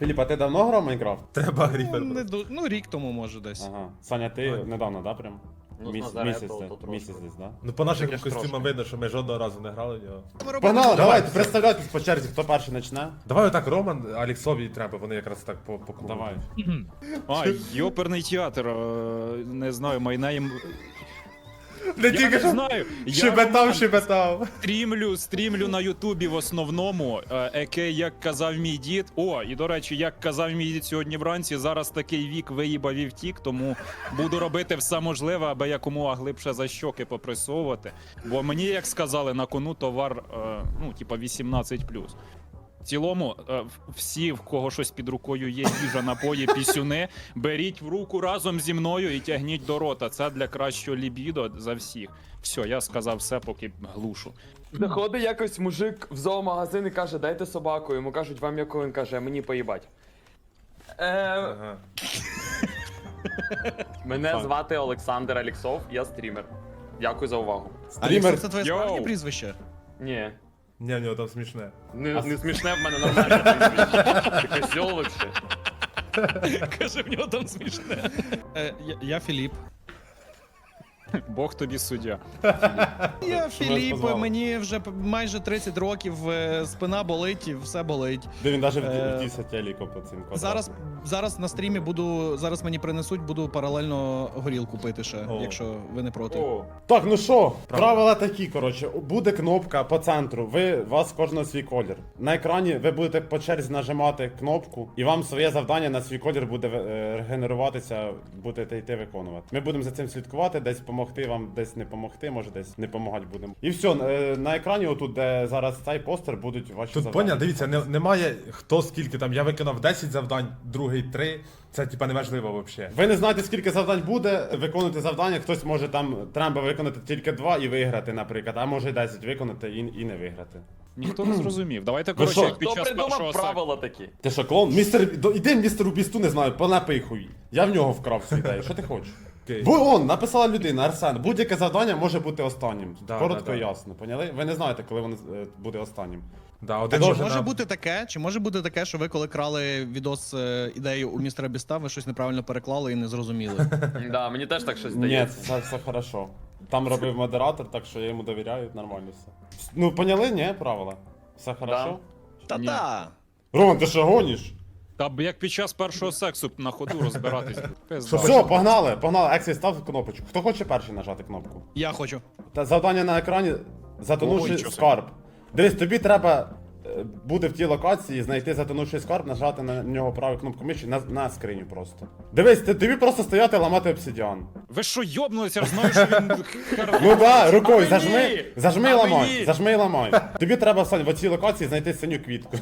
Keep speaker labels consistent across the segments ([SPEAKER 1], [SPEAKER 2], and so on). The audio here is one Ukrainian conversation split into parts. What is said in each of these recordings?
[SPEAKER 1] Філіп, а ти давно грав в Майнкрафт?
[SPEAKER 2] Треба гріфер.
[SPEAKER 3] Ну, рік тому, може, десь.
[SPEAKER 1] Ага. Саня, ти недавно, да, прям?
[SPEAKER 4] Ну,
[SPEAKER 1] Місяць,
[SPEAKER 4] Назарето, то трошки.
[SPEAKER 1] місяць десь, да?
[SPEAKER 2] Ну по нашим
[SPEAKER 4] Тільки ж
[SPEAKER 2] костюмам
[SPEAKER 4] трошки.
[SPEAKER 2] видно, що ми жодного разу не грали в нього.
[SPEAKER 1] Погнали,
[SPEAKER 2] давай.
[SPEAKER 1] давайте, представляйтесь по черзі, хто перший почне?
[SPEAKER 2] Давай отак Роман, Аліксові треба, вони якраз так по кругу.
[SPEAKER 1] Давай.
[SPEAKER 5] А, йоперний театр, не знаю, майнаєм...
[SPEAKER 2] Не
[SPEAKER 5] Я
[SPEAKER 2] тільки
[SPEAKER 5] не
[SPEAKER 2] що
[SPEAKER 5] знаю, я
[SPEAKER 2] шепетав.
[SPEAKER 5] стрімлю на Ютубі в основному, як казав мій дід. О, і до речі, як казав мій дід сьогодні вранці, зараз такий вік виїбав і втік, тому буду робити все можливе, аби якомога глибше за щоки попресовувати. Бо мені, як сказали, на кону товар, ну, типа 18+. В цілому, всі, в кого щось під рукою є, їжа, напої, пісюни, беріть в руку разом зі мною і тягніть до рота. Це для кращого лібідо за всіх. Все, я сказав все, поки глушу.
[SPEAKER 4] Заходить якось мужик в зоомагазин і каже, дайте собаку. Йому кажуть, вам яку? Він каже, мені поїбать.
[SPEAKER 2] Ага.
[SPEAKER 4] Мене звати Олександр Аліксов, я стрімер. Дякую за увагу.
[SPEAKER 1] Стрімер.
[SPEAKER 3] Це твоє
[SPEAKER 5] Йоу.
[SPEAKER 3] справжнє прізвище?
[SPEAKER 4] Ні.
[SPEAKER 2] Ні, в нього там смішне.
[SPEAKER 4] Не смішне, в мене нормальне прізвище. Ти козьол вообще.
[SPEAKER 3] Каже, в нього там смішне. Я Філіп.
[SPEAKER 5] Бог тобі суддя.
[SPEAKER 3] Я Філіп,
[SPEAKER 1] позвали.
[SPEAKER 3] мені вже майже 30 років, спина болить і все болить.
[SPEAKER 1] Де він навіть
[SPEAKER 3] Е,
[SPEAKER 1] вдівся теліко по цим квадратам.
[SPEAKER 3] Зараз на стрімі зараз мені принесуть, буду паралельно горілку пити ще,
[SPEAKER 2] О.
[SPEAKER 3] якщо ви не проти.
[SPEAKER 4] О,
[SPEAKER 1] Так, ну що, правила такі, коротше, буде кнопка по центру, у вас кожного свій колір. На екрані ви будете по черзі нажимати кнопку, і вам своє завдання на свій колір буде регенеруватися, будете йти виконувати. Ми будемо за цим слідкувати, десь допомогти вам, десь не допомогти, може десь не допомагати будемо. І все, на екрані, отут, де зараз цей постер, будуть ваші
[SPEAKER 2] Тут
[SPEAKER 1] завдання.
[SPEAKER 2] поняв, дивіться, немає хто скільки там. Я виконав 10 завдань, другий 3. Це типа неважливо взагалі.
[SPEAKER 1] Ви не знаєте, скільки завдань буде, виконуйте завдання, хтось може там, треба виконати тільки 2 і виграти, наприклад, а може 10 виконати і не виграти.
[SPEAKER 5] Ніхто не зрозумів. Давайте,
[SPEAKER 1] що?
[SPEAKER 5] коротше, як під
[SPEAKER 4] хто
[SPEAKER 5] час першого
[SPEAKER 4] придумав
[SPEAKER 5] секу.
[SPEAKER 4] правила такі?
[SPEAKER 1] Ти що, клоун? Іди містеру Бісту, не знаю, понапий хуй. Я в нього вкрав цю ідею, що ти хочеш?
[SPEAKER 2] Окей.
[SPEAKER 1] Вон, написала людина, Арсен, будь-яке завдання може бути останнім.
[SPEAKER 2] Да,
[SPEAKER 1] Коротко
[SPEAKER 2] да,
[SPEAKER 1] і
[SPEAKER 2] да.
[SPEAKER 1] ясно, поняли? Ви не знаєте, коли воно буде останнім.
[SPEAKER 2] Да, один
[SPEAKER 3] Чи
[SPEAKER 2] може
[SPEAKER 3] може
[SPEAKER 2] на...
[SPEAKER 3] бути таке, чи може бути таке, що ви коли крали відос ідею у містера Біста, ви щось неправильно переклали і не зрозуміли?
[SPEAKER 4] Да, мені теж так щось
[SPEAKER 1] Ні,
[SPEAKER 4] здається.
[SPEAKER 1] це все хорошо. Там робив модератор, так що я йому довіряю, нормально все. Ну, поняли, ні, правила? Все хорошо?
[SPEAKER 3] Та-та!
[SPEAKER 1] Роман, ти що гониш?
[SPEAKER 5] Та б як під час першого сексу на ходу розбиратись. Пизда.
[SPEAKER 1] Все, погнали, Ексі, став кнопочку. Хто хоче перший нажати кнопку?
[SPEAKER 3] Я хочу.
[SPEAKER 1] Та завдання на екрані затонувши
[SPEAKER 5] Ой, чого це?
[SPEAKER 1] скарб. Дивись, тобі треба буде в тій локації знайти затонувший скарб, нажати на нього праву кнопку миші на скриню просто. Дивись, тобі просто стояти ламати обсидіан.
[SPEAKER 5] Ви що, йобнулися? Я ж знаю, що він...
[SPEAKER 1] Ну да, рукою
[SPEAKER 4] мені?
[SPEAKER 1] зажми і
[SPEAKER 4] А
[SPEAKER 1] ламай,
[SPEAKER 4] мені?
[SPEAKER 1] зажми і ламай. Тобі треба, Сань, в цій локації знайти синю квітку.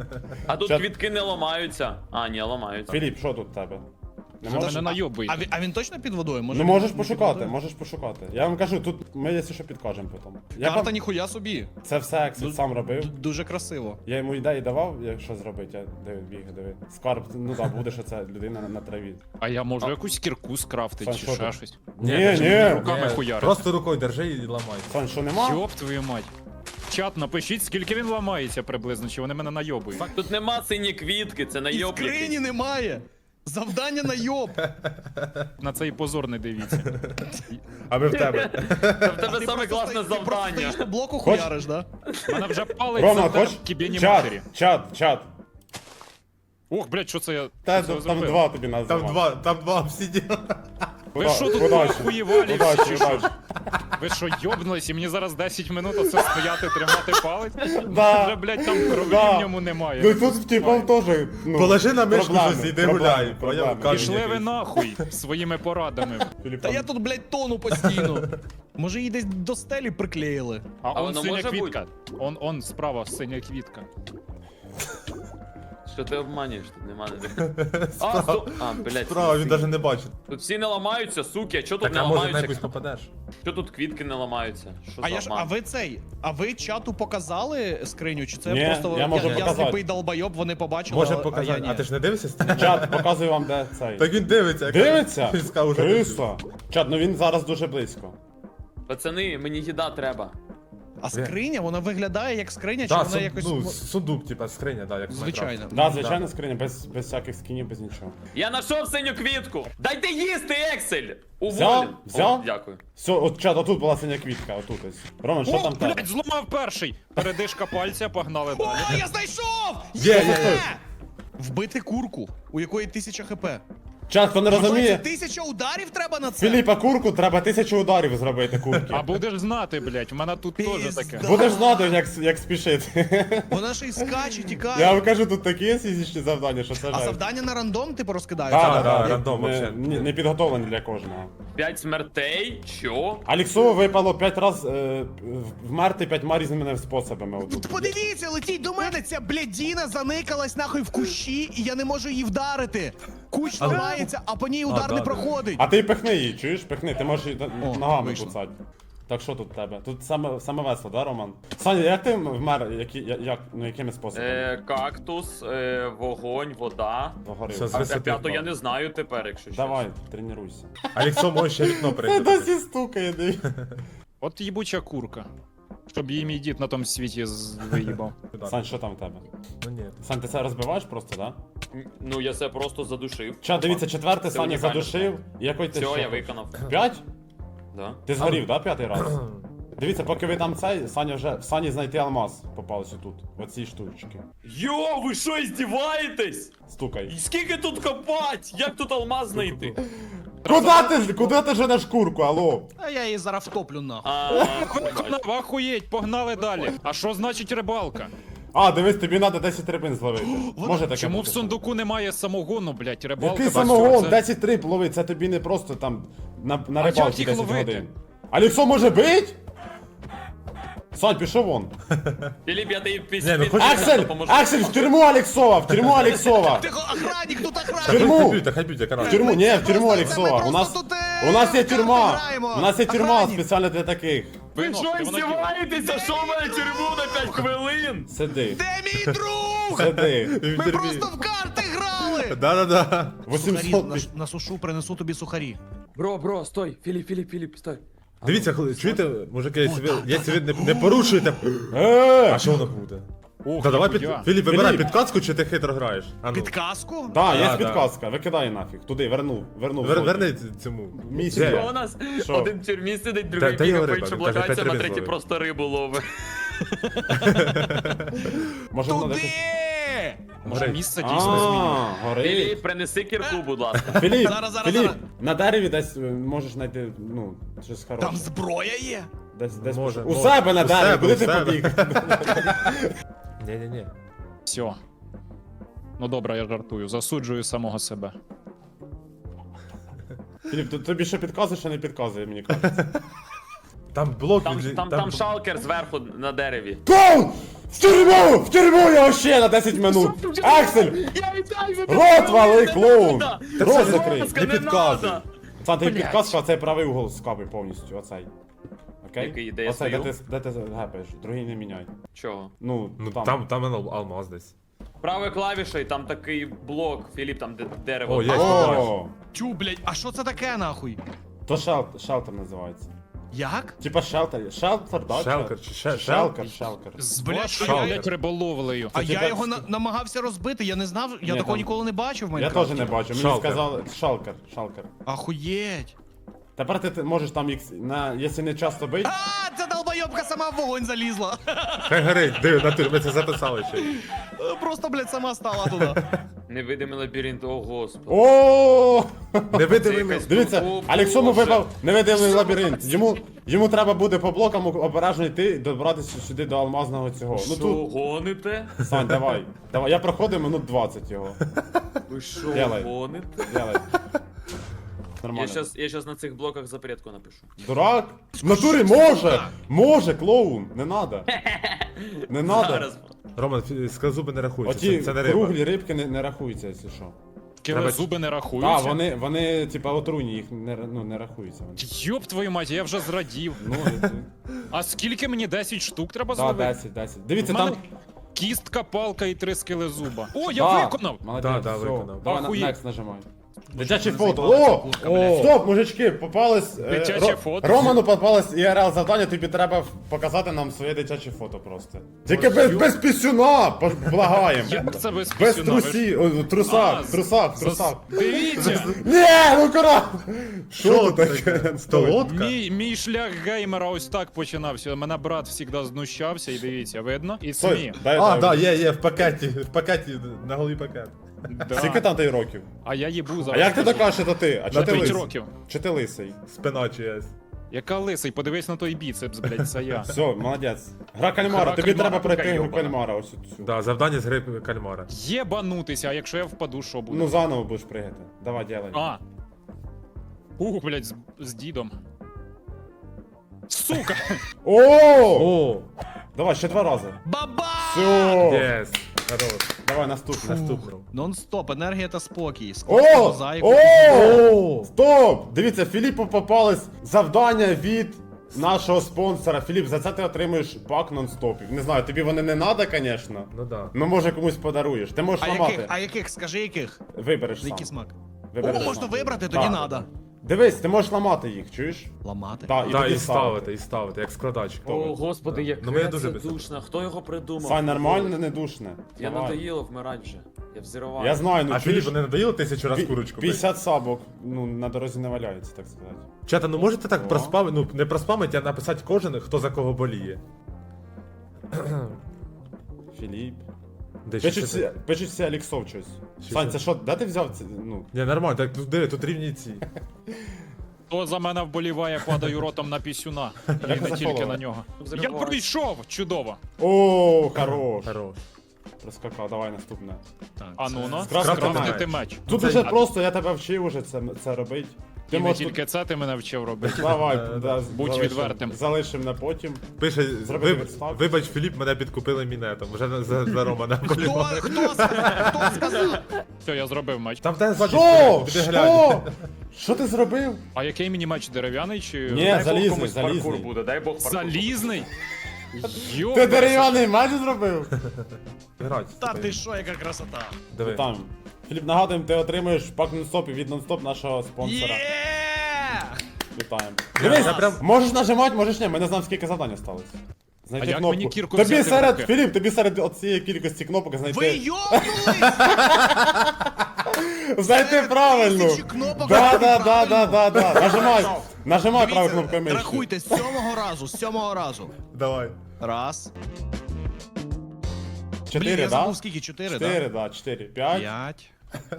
[SPEAKER 4] А тут
[SPEAKER 1] Щас-
[SPEAKER 4] квітки не ламаються. А, ні, ламаються.
[SPEAKER 1] Філіп, що тут в тебе? Не
[SPEAKER 5] Що
[SPEAKER 1] можеш?
[SPEAKER 5] мене найобуєте?
[SPEAKER 3] А він точно під водою? Може,
[SPEAKER 1] Ну
[SPEAKER 3] він
[SPEAKER 1] можеш
[SPEAKER 3] не під
[SPEAKER 1] пошукати,
[SPEAKER 3] водою?
[SPEAKER 1] можеш пошукати. Я вам кажу, тут ми, якщо що, підкажемо потім.
[SPEAKER 3] Карта ніхуя собі.
[SPEAKER 1] Це все Ексіт сам робив.
[SPEAKER 3] Дуже красиво.
[SPEAKER 1] Я йому ідеї давав, що зробити, я диви. Скарб, ну так, буде, що це людина на траві.
[SPEAKER 5] А я можу якусь кірку скрафтити
[SPEAKER 1] Сань,
[SPEAKER 5] чи
[SPEAKER 1] що
[SPEAKER 5] ще
[SPEAKER 1] ти?
[SPEAKER 5] щось?
[SPEAKER 1] Ні.
[SPEAKER 5] Руками хуярити.
[SPEAKER 2] Просто рукою держи і ламай.
[SPEAKER 1] Сань, що нема?
[SPEAKER 5] Йоп твою мать. Чат, напишіть, скільки він ламається приблизно, чи вони мене найобують.
[SPEAKER 4] Тут нема сині квітки, це
[SPEAKER 3] І
[SPEAKER 4] найоб
[SPEAKER 3] скрині
[SPEAKER 4] якийсь.
[SPEAKER 3] немає! Завдання на йоб!
[SPEAKER 5] На цей позор не дивіться.
[SPEAKER 2] А ми в тебе.
[SPEAKER 4] Та в тебе саме
[SPEAKER 3] Ти
[SPEAKER 4] класне
[SPEAKER 3] просто
[SPEAKER 4] завдання.
[SPEAKER 3] стоїш на блоку
[SPEAKER 1] Хоч-
[SPEAKER 3] хуяриш, да?
[SPEAKER 5] Мене вже палить
[SPEAKER 1] Рома,
[SPEAKER 5] за
[SPEAKER 1] хоч?
[SPEAKER 5] кібєні
[SPEAKER 1] Чат,
[SPEAKER 5] матері.
[SPEAKER 1] чат.
[SPEAKER 5] Ох, блядь, що це я
[SPEAKER 1] Та
[SPEAKER 5] що це
[SPEAKER 1] там
[SPEAKER 5] зробив?
[SPEAKER 1] 2 тобі називав.
[SPEAKER 2] Там два обсидіана.
[SPEAKER 5] Ви що тут
[SPEAKER 1] Удачі.
[SPEAKER 5] охуєвалі
[SPEAKER 1] Удачі,
[SPEAKER 5] всі, чи що?
[SPEAKER 1] удачі.
[SPEAKER 5] Ви що, йобнулись, і мені зараз 10 минут оце стояти, тримати палець?
[SPEAKER 1] Да.
[SPEAKER 5] Вже, блядь, там крові
[SPEAKER 1] Да.
[SPEAKER 5] в ньому немає.
[SPEAKER 1] Ну тут типа теж, ну,
[SPEAKER 2] Положи на мишку
[SPEAKER 1] проблеми,
[SPEAKER 2] щось, іди
[SPEAKER 1] проблеми,
[SPEAKER 2] гуляй.
[SPEAKER 1] проблеми.
[SPEAKER 2] Поняв? Камінь
[SPEAKER 5] Пішли ви
[SPEAKER 2] якийсь.
[SPEAKER 5] нахуй своїми порадами.
[SPEAKER 1] Філіп,
[SPEAKER 3] Та
[SPEAKER 1] там-
[SPEAKER 3] я тут, блядь, тону постійно. Може її десь до стелі приклеїли.
[SPEAKER 5] А он
[SPEAKER 4] воно
[SPEAKER 5] синя
[SPEAKER 4] може
[SPEAKER 5] квітка. Он справа синя квітка.
[SPEAKER 4] Що ти обманюєш? Тут нема ніде. А, блядь.
[SPEAKER 2] Справа, він навіть не бачить.
[SPEAKER 4] Тут всі не ламаються, суки, а чо тут
[SPEAKER 2] Так,
[SPEAKER 4] не
[SPEAKER 2] а може на
[SPEAKER 4] ламаються?
[SPEAKER 2] якусь попадеш?
[SPEAKER 4] Що тут квітки не ламаються? Що за
[SPEAKER 3] А
[SPEAKER 4] обман?
[SPEAKER 3] ви цей, а ви чату показали скриню, чи це
[SPEAKER 1] Ні,
[SPEAKER 3] просто
[SPEAKER 1] я можу
[SPEAKER 3] я
[SPEAKER 1] показати.
[SPEAKER 3] сліпий долбойоб, вони побачили,
[SPEAKER 2] Може
[SPEAKER 3] а я
[SPEAKER 2] показати.
[SPEAKER 3] ні.
[SPEAKER 2] А ти ж не дивишся стрім?
[SPEAKER 1] Чат, показую вам, де цей.
[SPEAKER 2] Так він дивиться.
[SPEAKER 1] Дивиться?
[SPEAKER 2] Він сказав, уже
[SPEAKER 1] Криса. Чат, ну він зараз дуже близько.
[SPEAKER 4] Пацани, мені їда треба.
[SPEAKER 3] А скриня, вона виглядає як скриня, чи
[SPEAKER 2] Да,
[SPEAKER 3] вона якось.
[SPEAKER 2] ну, сундук, типа, скриня, да, як в
[SPEAKER 3] Звичайно.
[SPEAKER 2] Майнкрафті.
[SPEAKER 1] Да, звичайно, скриня, без всяких скінів, без нічого.
[SPEAKER 4] Я знайшов синю квітку! Дайте їсти, Ексель!
[SPEAKER 1] Взяв?
[SPEAKER 4] Уволен!
[SPEAKER 1] Взяв?
[SPEAKER 4] О, дякую.
[SPEAKER 1] Все, от чат, отут була синя квітка, отут ось. Роман, що
[SPEAKER 5] О,
[SPEAKER 1] там тебе?
[SPEAKER 5] блядь, зламав перший. Передишка пальця, погнали
[SPEAKER 3] О,
[SPEAKER 5] далі.
[SPEAKER 3] я знайшов!
[SPEAKER 2] Є.
[SPEAKER 3] Вбити курку, у якої 1000 хп.
[SPEAKER 1] Чат, хто не
[SPEAKER 3] Це
[SPEAKER 1] розуміє,
[SPEAKER 3] 1000 ударів треба на це?
[SPEAKER 1] Філіпа курку треба 1000 ударів зробити курки.
[SPEAKER 5] А будеш знати, блядь, в мене тут теж
[SPEAKER 3] Пізда.
[SPEAKER 5] таке.
[SPEAKER 1] Будеш знати, як спішити.
[SPEAKER 3] Вона ще й скаче, тікає.
[SPEAKER 1] Я вам кажу, тут такі фізичні завдання, що це
[SPEAKER 3] А
[SPEAKER 1] жесть.
[SPEAKER 3] завдання на рандом типу розкидаються?
[SPEAKER 1] Да,
[SPEAKER 2] Да,
[SPEAKER 1] да,
[SPEAKER 2] рандом
[SPEAKER 1] не,
[SPEAKER 2] вообще.
[SPEAKER 1] не підготовлені для кожного.
[SPEAKER 4] 5 смертей? Що?
[SPEAKER 1] Аліксову випало 5 разів вмерти 5 різними способами. Отут.
[SPEAKER 3] Подивіться, летіть до мене, ця блядіна заникалась нахуй в кущі, і я не можу її вдарити. Кущ ламається, а по ній удар
[SPEAKER 2] да,
[SPEAKER 3] не
[SPEAKER 2] да.
[SPEAKER 3] проходить.
[SPEAKER 1] А ти пихни її, чуєш? Пихни, ти можеш її
[SPEAKER 3] О,
[SPEAKER 1] ногами
[SPEAKER 3] вийшло.
[SPEAKER 1] куцати. Так що тут в тебе? Тут саме весело, да, Роман? Саня, як ти вмер, якими способами?
[SPEAKER 4] Кактус, вогонь, вода.
[SPEAKER 1] Догорів.
[SPEAKER 2] Все,
[SPEAKER 4] А
[SPEAKER 2] висоти
[SPEAKER 4] п'яту
[SPEAKER 2] впав.
[SPEAKER 4] я не знаю тепер, якщо чесно.
[SPEAKER 1] Давай, тренуйся.
[SPEAKER 2] Аліксо може ще вікно
[SPEAKER 1] Це
[SPEAKER 2] прийти.
[SPEAKER 1] досі стукає, диві.
[SPEAKER 5] От їбуча курка. Щоб її мій дід на тому світі виїбав.
[SPEAKER 1] Сань, що там в тебе?
[SPEAKER 2] Ну ні.
[SPEAKER 1] Сань, ти це розбиваєш просто, да?
[SPEAKER 4] Ну я це просто задушив.
[SPEAKER 1] Ча, дивіться, четвертий
[SPEAKER 4] Це
[SPEAKER 1] Саня
[SPEAKER 4] унікально.
[SPEAKER 1] задушив. І який ти
[SPEAKER 4] Все,
[SPEAKER 1] що?
[SPEAKER 4] я виконав.
[SPEAKER 1] 5?
[SPEAKER 4] Да.
[SPEAKER 1] Ти згорів, да, 5-й раз? Дивіться, поки ви там цей, Саня вже в Сані знайти алмаз попався тут, в оцій штучці.
[SPEAKER 4] Йо, ви що, іздіваєтесь?
[SPEAKER 1] Стукай.
[SPEAKER 4] І скільки тут копать? Як тут алмаз знайти?
[SPEAKER 1] Куди ти женеш курку, алло?
[SPEAKER 3] А я її зараз втоплю нахуй.
[SPEAKER 5] Виконав, ахуєть, погнали далі. А що значить рибалка?
[SPEAKER 1] А, дивись, тобі треба 10 рибин зловити. Може таке
[SPEAKER 5] Чому в
[SPEAKER 1] бути?
[SPEAKER 5] сундуку немає самогону, блядь, рибалка?
[SPEAKER 1] Який
[SPEAKER 5] бачу,
[SPEAKER 1] самогон?
[SPEAKER 5] це-
[SPEAKER 1] 10 риб ловить, це тобі не просто там на
[SPEAKER 5] як
[SPEAKER 1] рибалці
[SPEAKER 5] їх
[SPEAKER 1] 10
[SPEAKER 5] ловити?
[SPEAKER 1] годин. Аліксо може бить? Сань, пішов вон.
[SPEAKER 4] Філіп, я тобі
[SPEAKER 2] Ні, ну хоч-
[SPEAKER 1] Аксель! Аксель, в тюрму Аліксова! В тюрму Аліксова!
[SPEAKER 3] Тихо, охранник, тут
[SPEAKER 1] В
[SPEAKER 3] охранник!
[SPEAKER 1] тюрму!
[SPEAKER 2] Хай б'ють, яка
[SPEAKER 1] В тюрму, ні, в тюрму
[SPEAKER 3] Просто
[SPEAKER 1] Аліксова.
[SPEAKER 3] ми
[SPEAKER 1] У нас,
[SPEAKER 3] просто тут,
[SPEAKER 1] у нас є
[SPEAKER 3] карти
[SPEAKER 1] тюрма.
[SPEAKER 3] граємо.
[SPEAKER 1] У нас є тюрма
[SPEAKER 3] Охранник.
[SPEAKER 1] спеціально для таких.
[SPEAKER 4] Ви
[SPEAKER 5] Вино,
[SPEAKER 4] що,
[SPEAKER 5] ти воно кидав.
[SPEAKER 4] іздіваєтеся? Що в мене тюрму на 5 хвилин?
[SPEAKER 1] Сиди,
[SPEAKER 3] Де мій друг?
[SPEAKER 1] сиди.
[SPEAKER 3] Ми просто в карти грали!
[SPEAKER 2] Да-да-да.
[SPEAKER 1] 800.
[SPEAKER 3] На сушу принесу тобі сухарі.
[SPEAKER 4] Бро, стой. Філіп, стой.
[SPEAKER 2] Дивіться, чуєте, мужики, якщо ви не порушуєте. А що воно буде?
[SPEAKER 5] Ох,
[SPEAKER 2] Та давай
[SPEAKER 5] ніхуя.
[SPEAKER 2] Філіп, вибирай
[SPEAKER 1] Філіп.
[SPEAKER 2] підказку, чи ти хитро граєш? А ну.
[SPEAKER 3] Підказку?
[SPEAKER 1] Да, є
[SPEAKER 2] Да,
[SPEAKER 1] підказка, викидай нафіг. Туди, вернув.
[SPEAKER 2] Верни цьому.
[SPEAKER 1] Місія.
[SPEAKER 2] Де?
[SPEAKER 4] Що у нас?
[SPEAKER 1] Що?
[SPEAKER 4] Один в тюрмі сидить, другий
[SPEAKER 2] Та я
[SPEAKER 4] бігає по
[SPEAKER 2] риба,
[SPEAKER 4] іншим
[SPEAKER 2] каже,
[SPEAKER 4] локаціям, а
[SPEAKER 2] Петрович
[SPEAKER 4] третій
[SPEAKER 2] ловить.
[SPEAKER 4] просто рибу ловить.
[SPEAKER 1] Може воно
[SPEAKER 3] Туди!
[SPEAKER 1] десь...
[SPEAKER 5] Може
[SPEAKER 2] Горить.
[SPEAKER 5] місце дійсно змінює.
[SPEAKER 1] Горить.
[SPEAKER 4] Філіп, принеси кірку, будь ласка.
[SPEAKER 1] Філіп,
[SPEAKER 3] Зараз,
[SPEAKER 1] Філіп, на дереві десь можеш знайти, ну, щось хороше.
[SPEAKER 3] Там зброя є?
[SPEAKER 1] Десь
[SPEAKER 2] Може,
[SPEAKER 1] у
[SPEAKER 2] може.
[SPEAKER 1] себе на
[SPEAKER 2] У
[SPEAKER 1] дереві,
[SPEAKER 2] себе,
[SPEAKER 1] куди
[SPEAKER 2] у
[SPEAKER 1] ти
[SPEAKER 2] себе.
[SPEAKER 1] побіг?
[SPEAKER 2] Ні-ні-ні.
[SPEAKER 5] Все. Ну добре, я жартую. Засуджую самого себе.
[SPEAKER 1] Філіп, тобі що підказує, що не підказує, мені кажеться.
[SPEAKER 2] Там блок
[SPEAKER 4] Там шалкер зверху на дереві.
[SPEAKER 1] Кол! В тюрму! В тюрму його ще на 10 минут! Аксель!
[SPEAKER 4] Я вітаю,
[SPEAKER 1] Рот вали, клоун! Рот закрий!
[SPEAKER 2] не підказуй.
[SPEAKER 1] Сам ти
[SPEAKER 4] Блядь.
[SPEAKER 1] підказка, а цей правий угол скапай повністю, оцей. Окей?
[SPEAKER 4] Який, де я
[SPEAKER 1] Оцей,
[SPEAKER 4] стою?
[SPEAKER 1] де ти гепаєш, другий не міняй.
[SPEAKER 4] Чого?
[SPEAKER 1] Ну,
[SPEAKER 2] Ну
[SPEAKER 1] там.
[SPEAKER 2] там алмаз десь.
[SPEAKER 4] Правою клавішою, там такий блок, Філіп, там де дерево.
[SPEAKER 2] О, є.
[SPEAKER 1] О,
[SPEAKER 3] Чу, блядь, а що це таке нахуй?
[SPEAKER 1] то шелтер називається.
[SPEAKER 3] Як?
[SPEAKER 1] Типа шелтер, шелтер, да?
[SPEAKER 2] Шелкер чи
[SPEAKER 1] Шелкер.
[SPEAKER 5] З
[SPEAKER 3] Блядь,
[SPEAKER 5] вашою,
[SPEAKER 2] шалкер.
[SPEAKER 5] блядь, риболовлею.
[SPEAKER 3] А
[SPEAKER 1] Це
[SPEAKER 3] я
[SPEAKER 1] тебе-
[SPEAKER 3] його намагався розбити, я не знав, я
[SPEAKER 1] Ні,
[SPEAKER 3] такого
[SPEAKER 1] там-
[SPEAKER 3] ніколи не бачив в
[SPEAKER 1] Я
[SPEAKER 3] Майнкрафті.
[SPEAKER 1] теж не бачу, мені
[SPEAKER 2] Шалкер.
[SPEAKER 1] сказали, шалкер.
[SPEAKER 3] Ахуєть.
[SPEAKER 1] Тепер ти можеш там, якщо не часто бить,
[SPEAKER 3] А, ця долбойобка сама в вогонь залізла.
[SPEAKER 2] Хай горить, диви, натур, ми це записали ще.
[SPEAKER 3] Просто, блядь, сама стала туди.
[SPEAKER 4] Невидимий лабіринт, о господи.
[SPEAKER 1] О!
[SPEAKER 2] Не видиви.
[SPEAKER 4] якась-
[SPEAKER 1] Дивіться,
[SPEAKER 4] О,
[SPEAKER 1] Алексому
[SPEAKER 4] Боже.
[SPEAKER 1] випав невидимий лабіринт. Йому треба буде по блокам обережно йти і добратися сюди до алмазного цього. Ну
[SPEAKER 4] Що,
[SPEAKER 1] тут,
[SPEAKER 4] гоните?
[SPEAKER 1] Сань, давай. Я проходив минут 20 його.
[SPEAKER 4] Ви що,
[SPEAKER 1] Делай.
[SPEAKER 4] гоните?
[SPEAKER 1] Делай.
[SPEAKER 4] Я
[SPEAKER 1] Нормально.
[SPEAKER 4] щас на цих блоках запретку напишу.
[SPEAKER 1] Дурак? В натурі може! Може, клоун! Не надо. Не надо.
[SPEAKER 4] Зараз.
[SPEAKER 2] Роман, скалзуби не рахуються,
[SPEAKER 1] Оті
[SPEAKER 2] це не риба.
[SPEAKER 1] круглі рибки не рахуються, якщо що.
[SPEAKER 5] Кіле зуби не рахуються.
[SPEAKER 1] Так, вони, типа, отруйні, їх не рахуються. Вони.
[SPEAKER 5] Йоп твою мать, я вже зрадів.
[SPEAKER 1] Ну,
[SPEAKER 5] А скільки мені 10 штук треба
[SPEAKER 1] так,
[SPEAKER 5] зловити?
[SPEAKER 1] 10. Дивіться,
[SPEAKER 5] В мене
[SPEAKER 1] там.
[SPEAKER 5] кістка, палка і 3 скелезуба. О, я
[SPEAKER 1] Да,
[SPEAKER 5] виконав!
[SPEAKER 1] Молодець,
[SPEAKER 2] Да,
[SPEAKER 1] все.
[SPEAKER 2] виконав.
[SPEAKER 1] Давай
[SPEAKER 5] Охуєть.
[SPEAKER 1] next нажимай. Дитяче фото.
[SPEAKER 3] заїбалася
[SPEAKER 1] О!
[SPEAKER 3] куртка, блядь.
[SPEAKER 1] Стоп, мужички, попалось.
[SPEAKER 5] Дитяче фото?
[SPEAKER 1] Роману попалось ІРЛ завдання, тобі треба показати нам своє дитяче фото просто. Тільки без пісюна, благаємо.
[SPEAKER 5] Як це без
[SPEAKER 1] Без
[SPEAKER 5] пісюна? Ви ж-
[SPEAKER 1] трусі, о, трусах,
[SPEAKER 5] А,
[SPEAKER 1] трусах,
[SPEAKER 5] зас-
[SPEAKER 1] трусах.
[SPEAKER 5] Дивіться!
[SPEAKER 1] Ні, ну кора! Що тут таке?
[SPEAKER 2] Столодка?
[SPEAKER 5] Мій шлях геймера ось так починався. Мене брат завжди знущався, і дивіться, видно? І
[SPEAKER 1] Стой,
[SPEAKER 5] СМІ.
[SPEAKER 2] А, да, є, в пакеті, на голові пакет.
[SPEAKER 1] Скільки там ти років?
[SPEAKER 5] А я їбу
[SPEAKER 1] А
[SPEAKER 5] зараз.
[SPEAKER 1] як ти докажеш, що то ти? А чого ти
[SPEAKER 5] 5
[SPEAKER 1] лисий?
[SPEAKER 5] років.
[SPEAKER 1] Чи ти лисий?
[SPEAKER 2] Спина чиясь.
[SPEAKER 5] Яка лисий, подивись на той біцепс, блядь, це я.
[SPEAKER 1] Все, молодець. Гра кальмара,
[SPEAKER 5] Гра
[SPEAKER 1] тобі
[SPEAKER 5] кальмара,
[SPEAKER 1] треба пройти
[SPEAKER 5] така
[SPEAKER 1] гру
[SPEAKER 5] йобана.
[SPEAKER 1] кальмара, ось цю.
[SPEAKER 2] Да, завдання з гри кальмара.
[SPEAKER 5] Єбанутися, а якщо я впаду, що буде?
[SPEAKER 1] Ну заново будеш пригати. Давай, ділай.
[SPEAKER 5] А. Блядь, з дідом. Сука!
[SPEAKER 1] О!
[SPEAKER 2] О!
[SPEAKER 1] Давай, ще 2 рази.
[SPEAKER 3] Баба!
[SPEAKER 1] Все.
[SPEAKER 2] Єс! Хорош.
[SPEAKER 1] Давай наступне.
[SPEAKER 2] Наступно.
[SPEAKER 3] Нон-стоп, енергія та спокій.
[SPEAKER 1] О!
[SPEAKER 3] Мозаїку.
[SPEAKER 1] О! Стоп! Дивіться, Філіпу попалось завдання від нашого спонсора. Філіп, за це ти отримуєш пак нон-стопів. Не знаю, тобі вони не треба, звісно.
[SPEAKER 2] Ну да.
[SPEAKER 1] Ну, може, комусь подаруєш. Ти можеш
[SPEAKER 3] А
[SPEAKER 1] ламати.
[SPEAKER 3] яких? А яких? Скажи яких?
[SPEAKER 1] Вибереш сам.
[SPEAKER 3] Який смак?
[SPEAKER 1] Вибереш
[SPEAKER 3] О, можна
[SPEAKER 1] сам.
[SPEAKER 3] вибрати, тоді
[SPEAKER 1] Так.
[SPEAKER 3] надо.
[SPEAKER 1] Дивись, ти можеш ламати їх, чуєш?
[SPEAKER 3] Ламати?
[SPEAKER 1] Так,
[SPEAKER 2] Да,
[SPEAKER 1] тоді
[SPEAKER 2] і ставити, як складач.
[SPEAKER 4] О, господи, яке
[SPEAKER 2] Ну, мені
[SPEAKER 4] це
[SPEAKER 2] дуже
[SPEAKER 4] душно. Хто його придумав?
[SPEAKER 1] Сань, нормально, не душне.
[SPEAKER 4] Я
[SPEAKER 1] Давай.
[SPEAKER 4] надоїло вмирати вже. Я взірвав.
[SPEAKER 1] Я знаю, ну
[SPEAKER 2] А
[SPEAKER 1] чуєш,
[SPEAKER 2] Філіп, не надоїло 1000 раз курочку?
[SPEAKER 1] 50 сабок, ну, на дорозі не валяється, так сказати.
[SPEAKER 2] Чата, ну можете так
[SPEAKER 1] О.
[SPEAKER 2] проспамити, ну не проспамити, а написати кожен, хто за кого боліє.
[SPEAKER 1] Філіп.
[SPEAKER 2] Де
[SPEAKER 1] Пишуть всі Аліксов щось.
[SPEAKER 2] Що
[SPEAKER 1] Сань,
[SPEAKER 2] це?
[SPEAKER 1] це що, де ти взяв це? Ну,
[SPEAKER 2] Ні, нормально, так ну, диви, тут рівні ці.
[SPEAKER 5] Хто за мене вболіває, падаю ротом на пісюна. І
[SPEAKER 1] Як
[SPEAKER 5] не
[SPEAKER 1] це
[SPEAKER 5] тільки
[SPEAKER 1] поле?
[SPEAKER 5] на нього. Я
[SPEAKER 4] Взриваю.
[SPEAKER 5] пройшов! Чудово!
[SPEAKER 1] О, хорош.
[SPEAKER 2] Хорош.
[SPEAKER 1] Проскакав, давай наступне.
[SPEAKER 3] Так,
[SPEAKER 5] А ну ну,
[SPEAKER 1] Скрафтити
[SPEAKER 5] скрафтити
[SPEAKER 2] меч.
[SPEAKER 5] меч.
[SPEAKER 1] Тут
[SPEAKER 2] Це-
[SPEAKER 1] дуже просто, я тебе вчив уже це робити. Ти
[SPEAKER 5] І не
[SPEAKER 1] можеш
[SPEAKER 5] тільки це ти мене вчив робити.
[SPEAKER 1] Давай, да,
[SPEAKER 5] Будь
[SPEAKER 1] залишим-
[SPEAKER 5] відвертим.
[SPEAKER 1] Залишим на потім.
[SPEAKER 2] Пише,
[SPEAKER 1] Зроби відставку.
[SPEAKER 2] вибач, Філіп, мене підкупили мінетом. Вже за Романа
[SPEAKER 3] Хто сказав?
[SPEAKER 5] Все, я зробив меч.
[SPEAKER 2] Там те ззаді
[SPEAKER 1] Що?
[SPEAKER 2] стоїть, піди глянь.
[SPEAKER 1] Що? Що ти зробив?
[SPEAKER 5] А який мені меч дерев'яний чи.
[SPEAKER 1] Ні,
[SPEAKER 4] Дай Бог
[SPEAKER 1] залізний,
[SPEAKER 4] комусь паркур
[SPEAKER 1] залізний.
[SPEAKER 4] буде, дай Бог паркур.
[SPEAKER 5] Залізний? Йо,
[SPEAKER 1] Ти дерев'яний меч зробив?
[SPEAKER 2] Грать.
[SPEAKER 3] Та ти що, яка красота?
[SPEAKER 2] Диви.
[SPEAKER 1] Там. Філіп, нагадуємо, ти отримуєш пак нон-стоп від нон-стоп нашого спонсора.
[SPEAKER 3] Є!
[SPEAKER 1] Вітаємо.
[SPEAKER 2] Я
[SPEAKER 1] Дивись,
[SPEAKER 2] прям-
[SPEAKER 1] можеш нажимати, можеш ні, ми не знаємо, скільки завдань осталось. Знайти
[SPEAKER 5] А як
[SPEAKER 1] кнопку.
[SPEAKER 5] мені кірку
[SPEAKER 1] тобі
[SPEAKER 5] взяти в
[SPEAKER 1] серед,
[SPEAKER 5] руки?
[SPEAKER 1] Філіп, тобі серед цієї кількості кнопок знайти.
[SPEAKER 3] Ви йобнулись!
[SPEAKER 1] Знайти правильно.
[SPEAKER 3] тисячі кнопок,
[SPEAKER 1] Да,
[SPEAKER 3] а
[SPEAKER 1] да,
[SPEAKER 3] ти
[SPEAKER 1] да, да,
[SPEAKER 3] правильно.
[SPEAKER 1] да, да. Нажимай правою
[SPEAKER 3] Дивіться,
[SPEAKER 1] кнопкою мишки.
[SPEAKER 3] рахуйте, з 7-го разу, з 7-го разу.
[SPEAKER 2] Давай.
[SPEAKER 3] Раз.
[SPEAKER 1] 4,
[SPEAKER 3] Блін, я
[SPEAKER 1] да?
[SPEAKER 3] забув скільки, 4, да?
[SPEAKER 1] 4, да, 4, 5,
[SPEAKER 3] 5.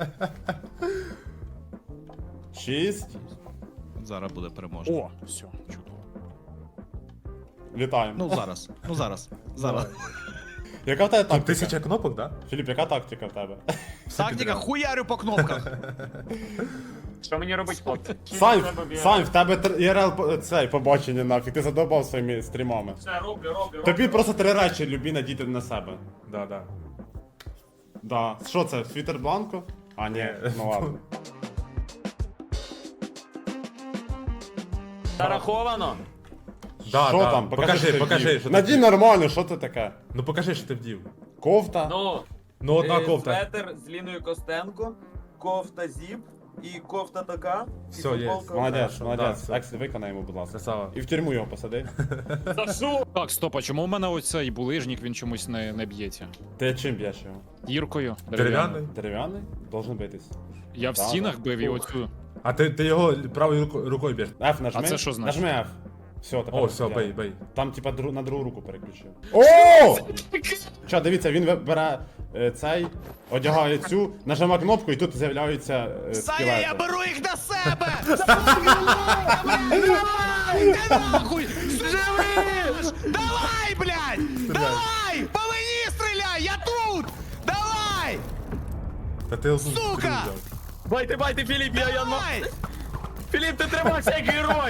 [SPEAKER 1] 6.
[SPEAKER 3] Зараз буде переможний.
[SPEAKER 5] О, все, чудово.
[SPEAKER 1] Вітаємо.
[SPEAKER 3] Ну зараз. Зараз.
[SPEAKER 1] Яка в тебе
[SPEAKER 2] Там
[SPEAKER 1] тактика?
[SPEAKER 2] 1000 кнопок, да?
[SPEAKER 1] Філіп, яка тактика в тебе?
[SPEAKER 3] Тактика, хуярю по кнопках.
[SPEAKER 4] Що мені робить, хлопці?
[SPEAKER 1] Сань, в тебе ІРЛ цей побачення нафіг, ти задовбав своїми стрімами.
[SPEAKER 4] Все, роблю.
[SPEAKER 1] Тобі просто 3 речі любі надіти на себе.
[SPEAKER 2] Да.
[SPEAKER 1] Да. Що це, світер бланко? А, ні, ну ладно.
[SPEAKER 4] Зараховано?
[SPEAKER 2] Да,
[SPEAKER 1] Що
[SPEAKER 2] да.
[SPEAKER 1] там?
[SPEAKER 2] Покажи,
[SPEAKER 1] що ти вдів.
[SPEAKER 2] що ти
[SPEAKER 1] Надій
[SPEAKER 2] вдів.
[SPEAKER 1] нормально, що це таке?
[SPEAKER 2] Ну покажи, що ти вдів.
[SPEAKER 1] Кофта?
[SPEAKER 2] Ну одна кофта.
[SPEAKER 6] Светер з Ліною Костенко, кофта зіп і кофта така. і
[SPEAKER 2] Все, є.
[SPEAKER 6] футболка
[SPEAKER 1] Молодець,
[SPEAKER 2] Хорошо,
[SPEAKER 1] молодець.
[SPEAKER 2] да,
[SPEAKER 1] Екс, виконай йому, будь ласка.
[SPEAKER 2] Красава.
[SPEAKER 1] І в тюрму його посади.
[SPEAKER 5] Так, стоп, а чому у мене оцей булижник, він чомусь не б'ється?
[SPEAKER 1] Ти чим б'єш його?
[SPEAKER 5] Гіркою?
[SPEAKER 2] Дерев'яний?
[SPEAKER 1] Дерев'яний? Должен битись.
[SPEAKER 5] Я в
[SPEAKER 1] Да,
[SPEAKER 5] стінах
[SPEAKER 1] да.
[SPEAKER 5] бив і оцю.
[SPEAKER 2] А ти його правою рукою б'єш.
[SPEAKER 1] F нажми.
[SPEAKER 5] А це що значить?
[SPEAKER 1] Нажми F. Все, тепер.
[SPEAKER 2] О, все,
[SPEAKER 1] я.
[SPEAKER 2] бей.
[SPEAKER 1] Там, типа, на другу руку переключив. О! Що, дивіться, він бере цей, одягає цю, нажимає кнопку і тут з'являються
[SPEAKER 3] Саня, я
[SPEAKER 1] скелети.
[SPEAKER 3] беру їх на себе! Давай! Ти нахуй! Живиш! Давай, блядь! Давай! По мені стріляй! Я тут! Давай!
[SPEAKER 2] Та ти одну
[SPEAKER 3] Сука!
[SPEAKER 2] стрілу взяв.
[SPEAKER 4] Байте, Філіп,
[SPEAKER 3] Давай!
[SPEAKER 4] Філіп, ти тримайся як герой!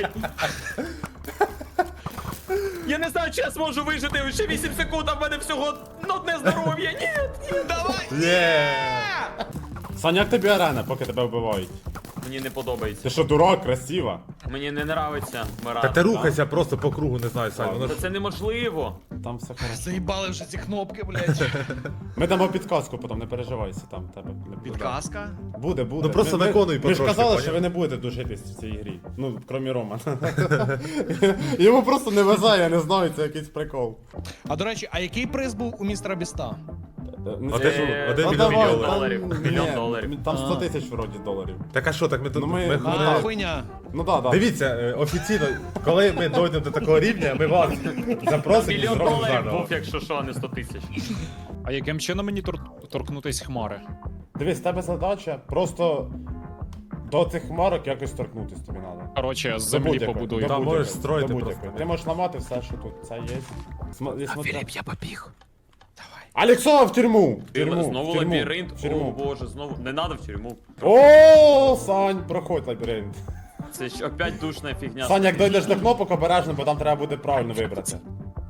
[SPEAKER 4] Я не знаю, чи я зможу вижити ще 8 секунд, а в мене всього одне здоров'я. Ні!
[SPEAKER 3] Давай!
[SPEAKER 2] Є!
[SPEAKER 1] Саня, як тобі арена, поки тебе вбивають?
[SPEAKER 4] Мені не подобається.
[SPEAKER 1] Ти що, дурак, красива?
[SPEAKER 4] Мені не нравиться
[SPEAKER 2] Та
[SPEAKER 4] вмирати.
[SPEAKER 2] ти рухайся просто по кругу, не знаю, Сань, воно
[SPEAKER 4] Та
[SPEAKER 2] ж...
[SPEAKER 4] це неможливо.
[SPEAKER 1] Там все хорошо.
[SPEAKER 3] Заїбали вже ці кнопки, блядь.
[SPEAKER 1] Ми дамо підказку, потім не переживайся, там тебе не буде.
[SPEAKER 3] Підказка.
[SPEAKER 1] Буде.
[SPEAKER 2] Ну, просто виконуй
[SPEAKER 1] Ви ж
[SPEAKER 2] потрошки,
[SPEAKER 1] казали,
[SPEAKER 2] поняв?
[SPEAKER 1] що ви не будете душитись в цій грі. Ну, крім Романа. Йому просто не везе, я не знаю, це якийсь прикол.
[SPEAKER 3] А до речі, а який приз був у містера Біста?
[SPEAKER 1] Не
[SPEAKER 2] Один-
[SPEAKER 1] скажу.
[SPEAKER 2] один
[SPEAKER 1] Ну,
[SPEAKER 2] мільйон
[SPEAKER 1] давай,
[SPEAKER 2] доларів.
[SPEAKER 1] там-
[SPEAKER 7] Мільйон
[SPEAKER 1] ні,
[SPEAKER 7] доларів.
[SPEAKER 1] Там 100 тисяч вроді доларів.
[SPEAKER 2] Так а що, так ми тут...
[SPEAKER 1] Ну, ми-
[SPEAKER 2] ми-
[SPEAKER 1] Ну,
[SPEAKER 3] А,
[SPEAKER 1] так.
[SPEAKER 3] хуйня.
[SPEAKER 1] Ну да.
[SPEAKER 2] Дивіться, офіційно, коли ми дойдемо до такого рівня, ми вас запросимо і
[SPEAKER 7] Мільйон
[SPEAKER 2] зробимо
[SPEAKER 7] доларів
[SPEAKER 2] заново.
[SPEAKER 7] був, якщо що, а не 100 тисяч.
[SPEAKER 5] А яким чином мені торкнутись хмари?
[SPEAKER 1] Дивись, в тебе задача просто до цих хмарок якось торкнутись тобі треба.
[SPEAKER 5] Коротше, з землі побудую.
[SPEAKER 2] Там можеш строїти просто.
[SPEAKER 1] Ти можеш ламати все, що тут. Це є.
[SPEAKER 3] Філіп, я побіг.
[SPEAKER 1] Алексова в тюрму! В тюрму,
[SPEAKER 7] Знову
[SPEAKER 1] в тюрму,
[SPEAKER 7] лабіринт.
[SPEAKER 1] в
[SPEAKER 7] О
[SPEAKER 1] тюрму.
[SPEAKER 7] боже, знову. Не надо в тюрму.
[SPEAKER 1] О, Сань, проходь лабіринт.
[SPEAKER 7] Це ж опять душна фігня.
[SPEAKER 1] Сань, як дойдеш до кнопок, обережно, бо там треба буде правильно вибрати.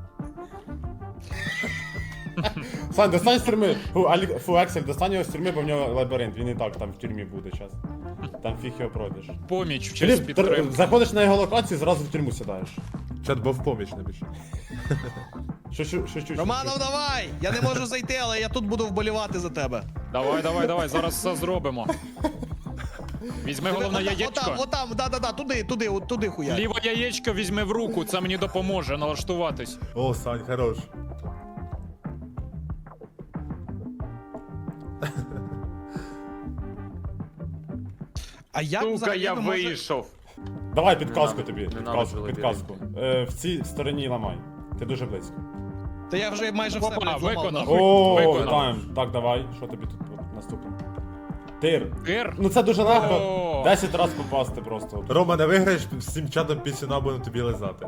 [SPEAKER 1] Сань, достань з тюрми. Фу, Ексель, достань його з тюрми, бо в нього лабіринт. Він і так там в тюрмі буде зараз. Там фіг його пройдеш.
[SPEAKER 5] Поміч в честь
[SPEAKER 1] Філіп,
[SPEAKER 5] підтримки.
[SPEAKER 1] заходиш на його локацію, зразу в тюрму сідаєш.
[SPEAKER 2] Чат, бо в поміч не більше.
[SPEAKER 1] Що.
[SPEAKER 3] Романов, давай! Я не можу зайти, але я тут буду вболівати за тебе.
[SPEAKER 5] Давай, зараз все зробимо. Візьми головне яєчко.
[SPEAKER 3] Отам, да, туди хуя.
[SPEAKER 5] Ліве яєчко візьми в руку, це мені допоможе налаштуватись.
[SPEAKER 2] О, Сань, хорош.
[SPEAKER 3] А як
[SPEAKER 7] Сука,
[SPEAKER 3] взагалі
[SPEAKER 7] я
[SPEAKER 3] ви можете-
[SPEAKER 7] вийшов.
[SPEAKER 1] Давай підказку
[SPEAKER 7] надо,
[SPEAKER 1] тобі.
[SPEAKER 7] не надо
[SPEAKER 1] Підказку,
[SPEAKER 7] вже
[SPEAKER 1] підказку. В цій стороні ламай. Ти дуже близько.
[SPEAKER 3] Та я вже майже все,
[SPEAKER 5] Опа,
[SPEAKER 3] блядь, зламав.
[SPEAKER 5] виконав.
[SPEAKER 3] нахуй.
[SPEAKER 1] О,
[SPEAKER 5] Виконав.
[SPEAKER 1] вітаємо. Так, давай. Що тобі тут наступне? Тир.
[SPEAKER 5] Тир?
[SPEAKER 1] Ну це дуже легко.
[SPEAKER 5] О.
[SPEAKER 1] 10 разів попасти просто.
[SPEAKER 2] Рома, не виграєш, всім чатом пісюна будемо тобі лизати.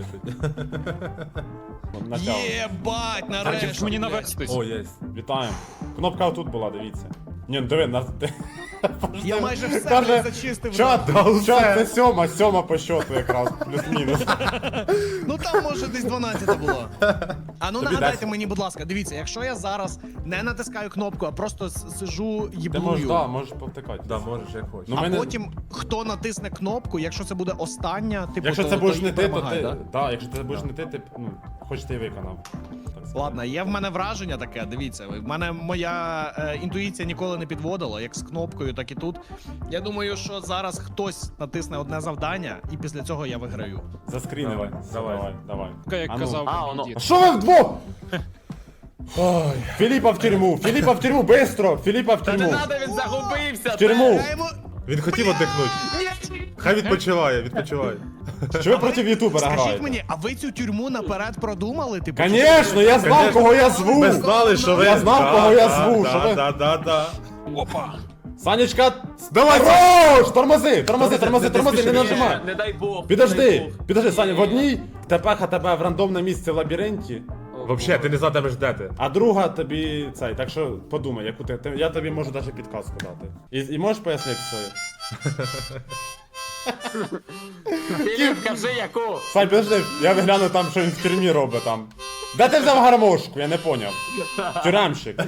[SPEAKER 1] Натягуй.
[SPEAKER 3] Єбать,
[SPEAKER 5] А чи
[SPEAKER 3] нарешті.
[SPEAKER 5] ж мені
[SPEAKER 3] блядь.
[SPEAKER 5] навестись?
[SPEAKER 2] О, єсть.
[SPEAKER 1] Вітаємо. Кнопка отут була, дивіться. Ні, ну диви, нас.
[SPEAKER 3] Я майже все
[SPEAKER 1] Каже,
[SPEAKER 3] блядь, зачистив.
[SPEAKER 1] Чат,
[SPEAKER 3] нахуй.
[SPEAKER 1] це сьома по счету якраз, плюс-мінус.
[SPEAKER 3] Ну там може десь 12 було. А ну
[SPEAKER 1] Тобі
[SPEAKER 3] нагадайте
[SPEAKER 1] 10.
[SPEAKER 3] мені, будь ласка, дивіться, якщо я зараз не натискаю кнопку, а просто сижу
[SPEAKER 1] Ти
[SPEAKER 3] їблую.
[SPEAKER 1] можеш повтикати.
[SPEAKER 2] Да, можеш, як хочеш.
[SPEAKER 1] Ну,
[SPEAKER 3] А
[SPEAKER 1] ми не-
[SPEAKER 3] потім хто натисне кнопку, якщо це буде остання, типу,
[SPEAKER 1] Якщо
[SPEAKER 3] то,
[SPEAKER 1] це будеш
[SPEAKER 3] то
[SPEAKER 1] не
[SPEAKER 3] і
[SPEAKER 1] ти, то
[SPEAKER 3] перемагає,
[SPEAKER 1] ти.
[SPEAKER 3] да?
[SPEAKER 1] Так, якщо це будеш не ти, ну, хоч ти і виконав. Так сказати.
[SPEAKER 3] Ладно, є в мене враження таке, дивіться. В мене моя інтуїція ніколи не підводила, як з кнопкою, так і тут. Я думаю, що зараз хтось натисне одне завдання, і після цього я виграю.
[SPEAKER 1] Заскрінивай.
[SPEAKER 2] Давай.
[SPEAKER 1] Давай.
[SPEAKER 5] Як
[SPEAKER 1] А ну.
[SPEAKER 5] казав
[SPEAKER 7] А,
[SPEAKER 5] мій
[SPEAKER 7] воно.
[SPEAKER 5] дід.
[SPEAKER 1] Що ви вдвох? Ой. Філіпа в тюрму, бистро! Філіпа в
[SPEAKER 7] Та не
[SPEAKER 1] тюрму!
[SPEAKER 7] надо, він загубився!
[SPEAKER 1] В тюрму!
[SPEAKER 3] Я йому...
[SPEAKER 2] Він хотів віддихнути. Хай відпочиває.
[SPEAKER 1] Що ви проти ютубера
[SPEAKER 3] Скажіть
[SPEAKER 1] граєте?
[SPEAKER 3] мені, а ви цю тюрму наперед продумали? Типу,
[SPEAKER 1] Конечно, я знав,
[SPEAKER 2] Конечно.
[SPEAKER 1] кого я зву!
[SPEAKER 2] Ми знали, що ви...
[SPEAKER 1] Я знав, кого я зву, що ви-
[SPEAKER 2] Да.
[SPEAKER 5] Опа!
[SPEAKER 1] Санечка,
[SPEAKER 2] Давай,
[SPEAKER 1] хорош! Тормози, не
[SPEAKER 2] спіши.
[SPEAKER 1] нажимай!
[SPEAKER 7] Не дай Бог. не дай
[SPEAKER 1] Підожди,
[SPEAKER 7] Бог.
[SPEAKER 1] Саня, в одній тепеха тебе в рандомне місце в лабіринті,
[SPEAKER 2] Вообще, ти не знатимеш, де ти.
[SPEAKER 1] а друга тобі цей, так що подумай, яку я тобі можу навіть підказку дати. І можеш пояснити свою?
[SPEAKER 7] Філіп, кажи яку.
[SPEAKER 1] Сань, підожди, я вигляну там, що він в тюрмі робить там. Де ти взяв гармошку? Я не поняв. Тюремщик.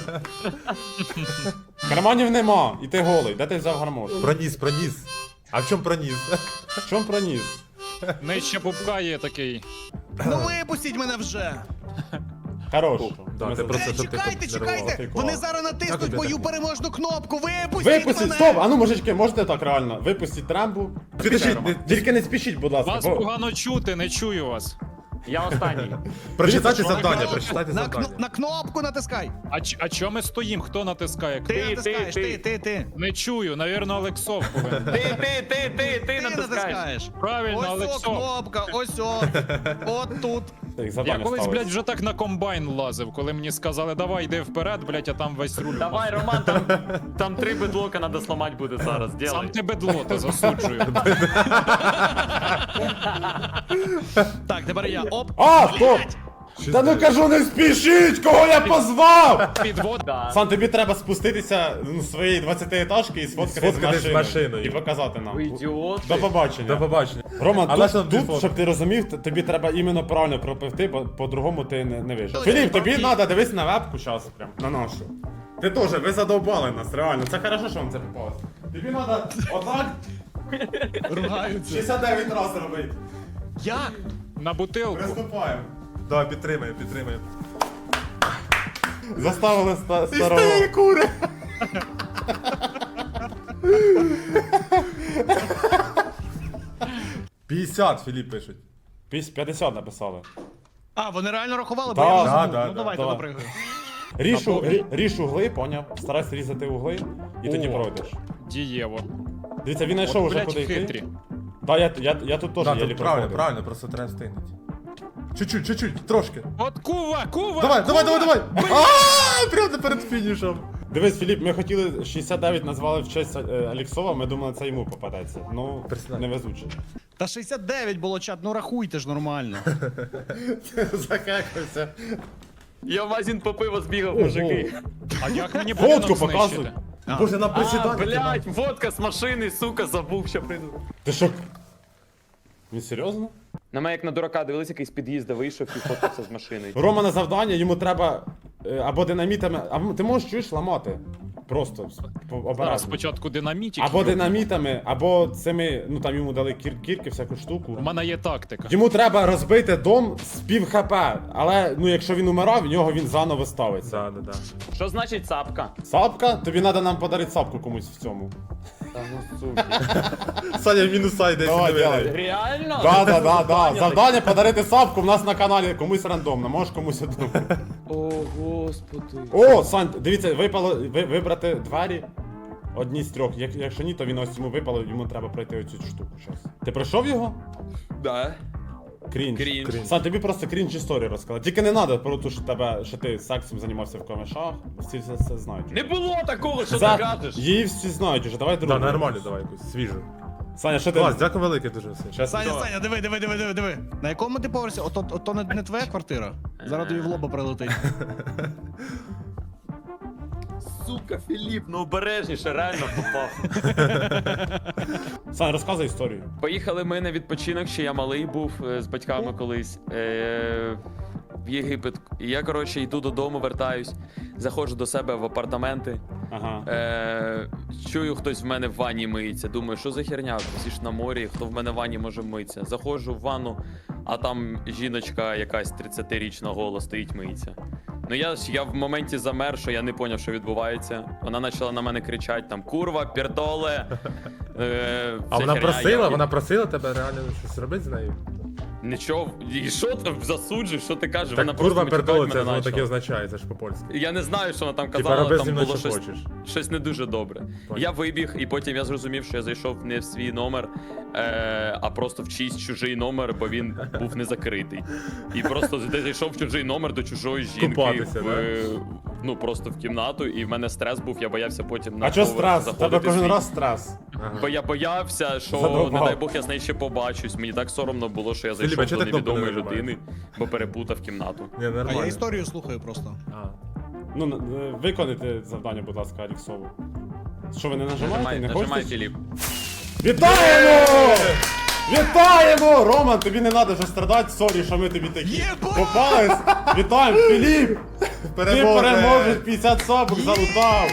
[SPEAKER 1] Карманів нема, і ти голий. Де ти взяв гармошку?
[SPEAKER 2] Проніс. А в чому проніс?
[SPEAKER 1] В чому проніс?
[SPEAKER 5] Нижче пупка є такий.
[SPEAKER 3] Ну випустіть мене вже!
[SPEAKER 1] Хорош.
[SPEAKER 2] Да,
[SPEAKER 1] Ми
[SPEAKER 2] ти
[SPEAKER 1] за-
[SPEAKER 2] просто щоб ти
[SPEAKER 3] Чекайте,
[SPEAKER 2] тут
[SPEAKER 3] чекайте!
[SPEAKER 2] нервував.
[SPEAKER 3] Вони зараз натиснуть
[SPEAKER 2] Як
[SPEAKER 3] мою
[SPEAKER 2] ти?
[SPEAKER 3] переможну кнопку! Випустіть
[SPEAKER 1] Випустіть,
[SPEAKER 3] мене!
[SPEAKER 1] стоп! А ну, мужички, можете так реально? Випустіть трамбу.
[SPEAKER 2] Підожди,
[SPEAKER 1] Тільки не спішіть, будь ласка.
[SPEAKER 5] Вас
[SPEAKER 1] бо-
[SPEAKER 5] погано чути, не чую вас.
[SPEAKER 7] Я останній.
[SPEAKER 2] Прочитайте
[SPEAKER 1] Дивіться,
[SPEAKER 2] завдання, прочитайте
[SPEAKER 3] На,
[SPEAKER 2] завдання.
[SPEAKER 3] на кнопку натискай!
[SPEAKER 5] А чо ми стоїм? Хто натискає?
[SPEAKER 3] Ти натискаєш, ти.
[SPEAKER 5] Не чую, навірно, Олексов повинен.
[SPEAKER 7] Ти
[SPEAKER 3] Ти
[SPEAKER 7] натискаєш.
[SPEAKER 3] натискаєш.
[SPEAKER 5] Правильно,
[SPEAKER 3] Ось о,
[SPEAKER 5] Олексов.
[SPEAKER 3] кнопка, ось о. От тут.
[SPEAKER 1] Так,
[SPEAKER 5] Я
[SPEAKER 1] завдання
[SPEAKER 5] колись,
[SPEAKER 1] ставиться.
[SPEAKER 5] блядь, вже так на комбайн лазив, коли мені сказали, давай йди вперед, блядь, а там весь руль.
[SPEAKER 7] Давай, Роман, там 3 бедлока надо сломать буде зараз.
[SPEAKER 5] Сам
[SPEAKER 7] Делай.
[SPEAKER 5] ти бедлота, засуджую.
[SPEAKER 3] Так, тепер я. Оп.
[SPEAKER 1] А, стоп! Та ну кажу, не спішіть, кого я позвав!
[SPEAKER 5] Підвод.
[SPEAKER 7] Да.
[SPEAKER 1] Сан, тобі треба спуститися з своєї 20-етажки і сфоткати
[SPEAKER 2] Сфоткати з машиною.
[SPEAKER 1] І показати нам.
[SPEAKER 7] Ви ідіоти.
[SPEAKER 1] До побачення.
[SPEAKER 2] До побачення.
[SPEAKER 1] Роман,
[SPEAKER 2] Але
[SPEAKER 1] тут,
[SPEAKER 2] ж нам дві
[SPEAKER 1] тут
[SPEAKER 2] фото.
[SPEAKER 1] щоб ти розумів, тобі треба іменно правильно пропивти, бо по-другому ти не вийшов.
[SPEAKER 3] Точно,
[SPEAKER 1] Філіп, тобі
[SPEAKER 3] пропів.
[SPEAKER 1] треба дивись на вебку зараз прям, на нашу. Ти теж, ви задовбали нас, реально. Це хорошо, що вам це попалось. Тобі треба отак
[SPEAKER 3] Ругаються.
[SPEAKER 1] 69 разів робити.
[SPEAKER 3] Як?
[SPEAKER 5] На бутилку.
[SPEAKER 1] Приступаємо.
[SPEAKER 2] Давай, підтримаємо, підтримаємо.
[SPEAKER 1] Заставили старого.
[SPEAKER 2] кури! «50», Філіп пишуть.
[SPEAKER 1] 50 написали.
[SPEAKER 3] А, вони реально рахували, бо
[SPEAKER 1] Да,
[SPEAKER 3] я
[SPEAKER 1] да,
[SPEAKER 3] вже забув.
[SPEAKER 2] да,
[SPEAKER 3] Ну
[SPEAKER 2] да,
[SPEAKER 3] давайте
[SPEAKER 1] да.
[SPEAKER 3] допригаю.
[SPEAKER 1] Ріж угли, поняв? Старайся різати угли і тоді
[SPEAKER 5] О.
[SPEAKER 1] пройдеш.
[SPEAKER 5] Дієво.
[SPEAKER 1] Дивіться, він знайшов
[SPEAKER 5] От,
[SPEAKER 1] уже
[SPEAKER 5] блядь,
[SPEAKER 1] куди йти.
[SPEAKER 5] хитрі.
[SPEAKER 1] Да, я тут теж
[SPEAKER 2] Да,
[SPEAKER 1] єлі
[SPEAKER 2] тут правильно,
[SPEAKER 1] проходив.
[SPEAKER 2] правильно, просто треба встигнути. Чуть-чуть, трошки.
[SPEAKER 5] От кува!
[SPEAKER 2] Давай. А, прямо перед фінішем.
[SPEAKER 1] Дивись, Філіп, ми хотіли 69 назвали в честь Аліксова, ми думали, це йому попадеться. Ну,
[SPEAKER 2] Персонально.
[SPEAKER 1] невезуче.
[SPEAKER 3] Та 69 було чат, ну рахуйте ж нормально.
[SPEAKER 1] Закекався.
[SPEAKER 7] Я в магазин по пиво збігав, мужики.
[SPEAKER 5] А як мені
[SPEAKER 1] Фотку
[SPEAKER 5] будинок
[SPEAKER 1] показуй.
[SPEAKER 5] знищити?
[SPEAKER 3] А.
[SPEAKER 2] Боже, на
[SPEAKER 7] А,
[SPEAKER 2] присідання.
[SPEAKER 7] блядь, водка з машини, сука, забув, що прийду.
[SPEAKER 1] Ти що? Він серйозно?
[SPEAKER 4] На мене як на дурака дивилися, якийсь з під'їзду вийшов і фоткався з машиною.
[SPEAKER 1] Рома на завдання, йому треба або динамітами, або ти можеш чуєш ламати. Просто
[SPEAKER 5] Зараз
[SPEAKER 1] обережно.
[SPEAKER 5] спочатку динамітик.
[SPEAKER 1] Або динамітами, або цими, ну там йому дали кірки, всяку штуку.
[SPEAKER 5] У мене є тактика.
[SPEAKER 1] Йому треба розбити дом з пів хп, але ну якщо він умирав, в нього він заново ставиться.
[SPEAKER 2] Да.
[SPEAKER 7] Що значить цапка?
[SPEAKER 1] Сапка? Тобі треба нам подарити сапку комусь в цьому.
[SPEAKER 4] Та ну сука.
[SPEAKER 2] Саня в мінуса йде.
[SPEAKER 1] Давай,
[SPEAKER 2] сюди.
[SPEAKER 1] давай.
[SPEAKER 7] Реально?
[SPEAKER 1] Да. Завдання подарити сапку в нас на каналі комусь рандомно, можеш комусь одному.
[SPEAKER 4] О, господи.
[SPEAKER 1] О, Сань, дивіться, вибрати двері. Одні з трьох. Якщо ні, то він ось йому випало, йому треба пройти оцю штуку зараз. Ти пройшов його?
[SPEAKER 4] Да.
[SPEAKER 1] Крінж.
[SPEAKER 7] Крінж.
[SPEAKER 1] Сань, тобі просто крінж історію розказати. Тільки не треба про те, що ти сексом займався в камешах. Всі все знають.
[SPEAKER 7] Не було такого, що
[SPEAKER 1] Це-
[SPEAKER 7] ти кажеш.
[SPEAKER 1] Її всі знають уже, давай
[SPEAKER 2] Да,
[SPEAKER 1] другу.
[SPEAKER 2] нормально, давай якусь свіжу.
[SPEAKER 1] Саня, що ти?
[SPEAKER 2] Клас, дякую велике дуже все.
[SPEAKER 1] Щас-
[SPEAKER 3] Саня, диви. На якому ти поверсі? Ото не твоя квартира? Зараз тобі в лоба прилетить.
[SPEAKER 7] Сука, Філіп, ну обережніше, реально попав.
[SPEAKER 1] Сань, розказуй історію.
[SPEAKER 4] Поїхали ми на відпочинок, ще я малий був з батьками колись. В Єгипет. І я, коротше, йду додому, вертаюсь, заходжу до себе в апартаменти.
[SPEAKER 1] Ага.
[SPEAKER 4] Чую, хтось в мене в ванні миється. Думаю, що за херня? Всі ж на морі, хто в мене в ванні може митися. Заходжу в ванну, а там жіночка якась 30-річна гола стоїть миється. Ну я в моменті замер, що я не зрозумів, що відбувається. Вона почала на мене кричати там курва, пердоле.
[SPEAKER 2] А вона просила тебе реально щось робити з нею?
[SPEAKER 4] Нічого, і що ти засуджуєш, що ти кажеш?
[SPEAKER 2] Так
[SPEAKER 4] Вона
[SPEAKER 2] курва
[SPEAKER 4] просто
[SPEAKER 2] пердола,
[SPEAKER 4] матюкати
[SPEAKER 2] це
[SPEAKER 4] мене
[SPEAKER 2] воно таке
[SPEAKER 4] почала.
[SPEAKER 2] означає, це ж по-польськи.
[SPEAKER 4] Я не знаю, що вона там
[SPEAKER 2] Типа
[SPEAKER 4] казала,
[SPEAKER 2] роби зі
[SPEAKER 4] там
[SPEAKER 2] мною,
[SPEAKER 4] було
[SPEAKER 2] що
[SPEAKER 4] щось,
[SPEAKER 2] хочеш.
[SPEAKER 4] щось не дуже добре.
[SPEAKER 2] Понял.
[SPEAKER 4] Я вибіг, і потім я зрозумів, що я зайшов не в свій номер, а просто в чийсь чужий номер, бо він був не закритий. І просто зайшов в чужий номер до чужої жінки.
[SPEAKER 2] Купатися,
[SPEAKER 4] Ну просто в кімнату, і в мене стрес був, я боявся потім на
[SPEAKER 1] А чого
[SPEAKER 4] поверх
[SPEAKER 1] стрес? У тебе
[SPEAKER 4] заходити
[SPEAKER 1] кожен
[SPEAKER 4] свій.
[SPEAKER 1] раз стрес.
[SPEAKER 4] Бо я боявся, що,
[SPEAKER 1] Задовбав.
[SPEAKER 4] не дай Бог, я з нею ще побачусь. Мені так соромно було, що я
[SPEAKER 2] Філіпе,
[SPEAKER 4] зайшов
[SPEAKER 2] чого
[SPEAKER 4] до
[SPEAKER 2] ти кнопку не
[SPEAKER 4] невідомої
[SPEAKER 2] нажимаєш?
[SPEAKER 4] людини, бо перепутав кімнату.
[SPEAKER 2] Ні,
[SPEAKER 3] А
[SPEAKER 2] нормально.
[SPEAKER 3] я історію слухаю просто.
[SPEAKER 2] А.
[SPEAKER 1] Ну, виконайте завдання, будь ласка, Аліксову. Що ви не нажимаєте? Не
[SPEAKER 4] Нажимай,
[SPEAKER 1] хочете?
[SPEAKER 4] Філіп.
[SPEAKER 1] Вітаємо! Вітаємо! Роман, тобі не треба вже страдати, сорі, що ми тобі такі
[SPEAKER 3] Єба!
[SPEAKER 1] попались. Вітаємо, Філіп! Ти переможеш, 50 сабок залутав.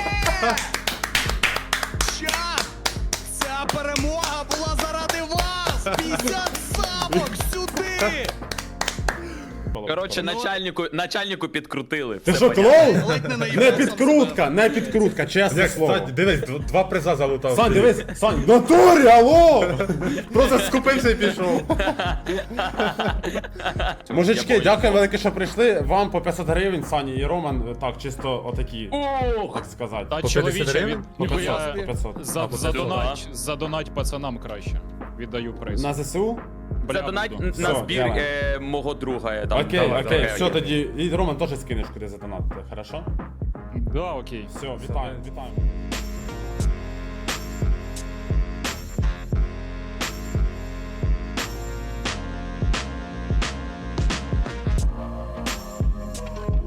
[SPEAKER 3] Чат! Ця перемога була заради вас! 50 сабок сюди!
[SPEAKER 4] Коротше, начальнику підкрутили.
[SPEAKER 1] Ти
[SPEAKER 4] Все
[SPEAKER 1] що,
[SPEAKER 4] понятно.
[SPEAKER 1] клоун?
[SPEAKER 3] Ледь не наїбав
[SPEAKER 1] Не
[SPEAKER 3] сам
[SPEAKER 1] підкрутка, не підкрутка, чесне
[SPEAKER 2] Як,
[SPEAKER 1] слово.
[SPEAKER 2] кстати, дивись, два приза залутав.
[SPEAKER 1] Сань, дивись, Сань, в натурі, алло!
[SPEAKER 2] Просто скупився і пішов.
[SPEAKER 1] Мужички, дякую велике, що прийшли. Вам по 500 гривень, Сані і Роман, так, чисто отакі,
[SPEAKER 4] Ох!
[SPEAKER 1] так сказати.
[SPEAKER 5] Та
[SPEAKER 2] По 50
[SPEAKER 5] чоловіче,
[SPEAKER 2] гривень?
[SPEAKER 1] По 500,
[SPEAKER 5] ніхуя
[SPEAKER 1] по 500.
[SPEAKER 5] задонать пацанам краще. Віддаю приз.
[SPEAKER 1] На ЗСУ?
[SPEAKER 5] Бля,
[SPEAKER 4] Задонать
[SPEAKER 5] буду.
[SPEAKER 4] на
[SPEAKER 1] Все,
[SPEAKER 4] збір
[SPEAKER 1] давай.
[SPEAKER 4] мого друга. Там,
[SPEAKER 1] Окей,
[SPEAKER 2] давай,
[SPEAKER 1] окей,
[SPEAKER 2] давай.
[SPEAKER 1] все тоді. І Роман теж скинеш куди задонатити, хорошо?
[SPEAKER 5] Да, окей.
[SPEAKER 1] Все, вітаємо, вітаємо.